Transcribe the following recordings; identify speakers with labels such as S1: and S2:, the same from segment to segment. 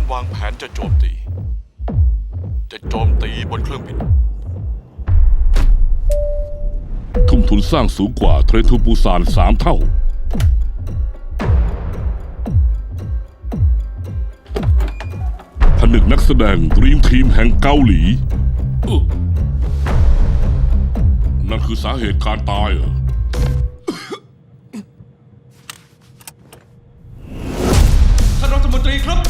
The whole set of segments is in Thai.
S1: วางแผนจะโจมตีบนเครื่องบิน
S2: ทุ่มทุนสร้างสูงกว่าเทรนทูปูซาน3 เท่าผนึกนักแสดงดรีมทีมแห่งเกาหลีนั่นคือสาเหตุการตายเหรอ
S3: ท่านรัฐมนตรีครับ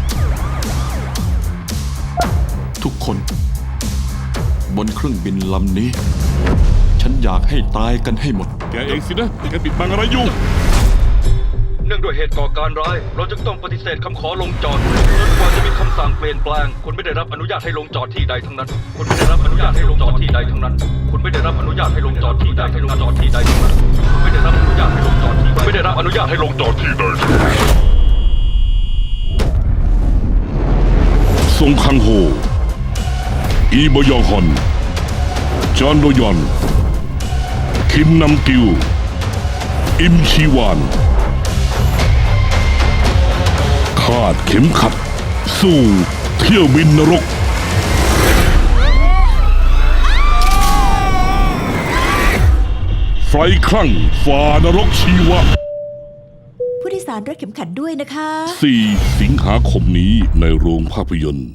S1: ทุกคนบนเครื่องบินลำนี้ฉันอยากให้ตายกันให้หมด
S2: แกเองสินะแกปิดบังอะไรอยู่
S3: เนื่องด้วยเหตุก่อการร้ายเราจึงต้องปฏิเสธคำขอลงจอดจนกว่าจะมีคำสั่งเปลี่ยนแปลงคุณไม่ได้รับอนุญาตให้ลงจอดที่ใดทั้งนั้นคุณไม่ได้รับอนุญาตให้ลงจอดที่ใดทั้งนั้นคุณไม่ได้รับอนุญาตให้ลงจอดที่ใดให้ลงจอดที่ใดทั้งนั้นคุณไม่ได้รับอนุญาตให้ลงจอดที่ไม่ได้รับอนุญาตให้ลงจอดที่ใด
S2: ซงคังโฮอีบยองฮอนจอห์นโดยอนคิมนัมกิวอิมชีวานคาดเข็มขัดสู่เที่ยวบินนรกไฟคลั่งฝ่านรกชีวะ
S4: ผู้โดยสารรัดเข็มขัดด้วยนะคะ
S2: 4 สิงหาคมนี้ในโรงภาพยนตร์